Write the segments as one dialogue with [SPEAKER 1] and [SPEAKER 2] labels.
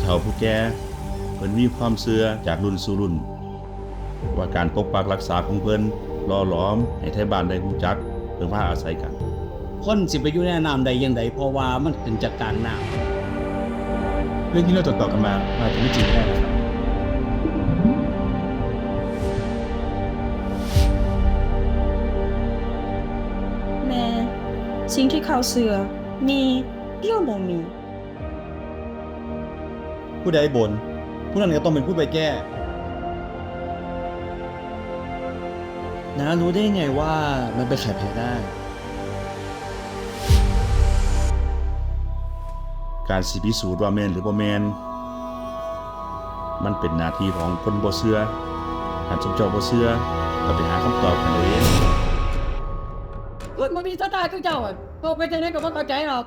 [SPEAKER 1] ฒ่าผู้แก่เพิ่นมีความเชื่อจากรุ่นสู่รุ่นว่าการปกปักรักษาของเพิ่นหล่อหลอมให้ไทบ้านได้รู้จักเพิ่งพาอาศัยกัน
[SPEAKER 2] คนสิไปอยู่ในน้ำใดยังไดเพราะว่ามันขึ้นจากกลางน้
[SPEAKER 3] เรื่องที่เราต่อกันมาอาจจะไม่จริงก็ได้นะครับ
[SPEAKER 4] แม่สิ่งที่เขาเสือมีเรื่องบ่มี
[SPEAKER 3] ผู้ใดบ่นผู้นั้นก็ต้องเป็นผู้ไปแก้น้ารู้ได้ไงว่ามันเป็นไข่แพ้ได้
[SPEAKER 1] การสิพิสูจน์ว่าแม่นหรือบ่แม่นมันเป็นหน้าที่ของคนบ่เชื่อถ้าสมเจ้าบ่เชื่อก็ไปหาคำตอบกันเอาเอง
[SPEAKER 5] มันมีสไตล์ของเจ้าอ่ะพอไปเจอเนี่ยก็ไม่เข้าใจหรอก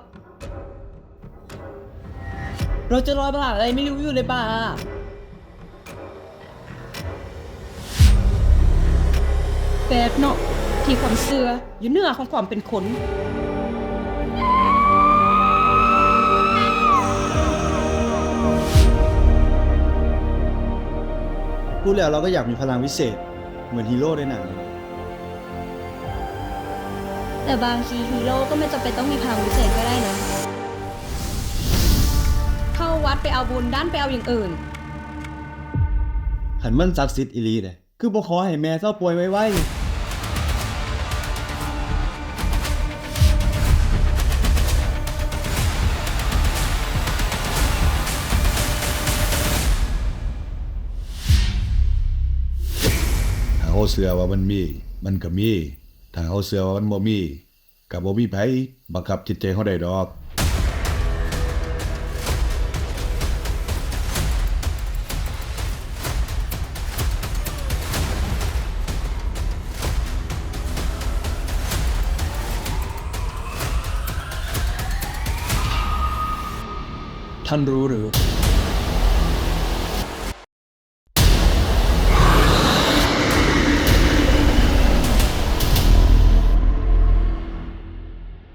[SPEAKER 5] เราจะรอยบ้าอะไรไม่รู้อยู่ในป่า
[SPEAKER 4] แปลกเนาะที่ความเสืออยู่เหนือของความเป็นคน
[SPEAKER 3] พูดแล้วเราก็อยากมีพลังวิเศษเหมือนฮีโร่ในหนัง
[SPEAKER 6] แต่บางทีฮีโร่ก็ไม่จำเป็นต้องมีพลังวิเศษก็ได้นะ
[SPEAKER 4] เข้าวัดไปเอาบุญด้านไปเอาอย่างอื่น
[SPEAKER 3] หันมันศักดิ์สิทธิ์อีหลีเลยคือบ่ขอให้แม่เศร้าป่วยไว้ถ้าเขาเชื่อว่ามันมี มันก็มี ถ้าเขาเชื่อว่ามันบ่มีก็บ่มีไผบังคับจิตใจเขาได้ดอก
[SPEAKER 7] ท่านรู้หรือ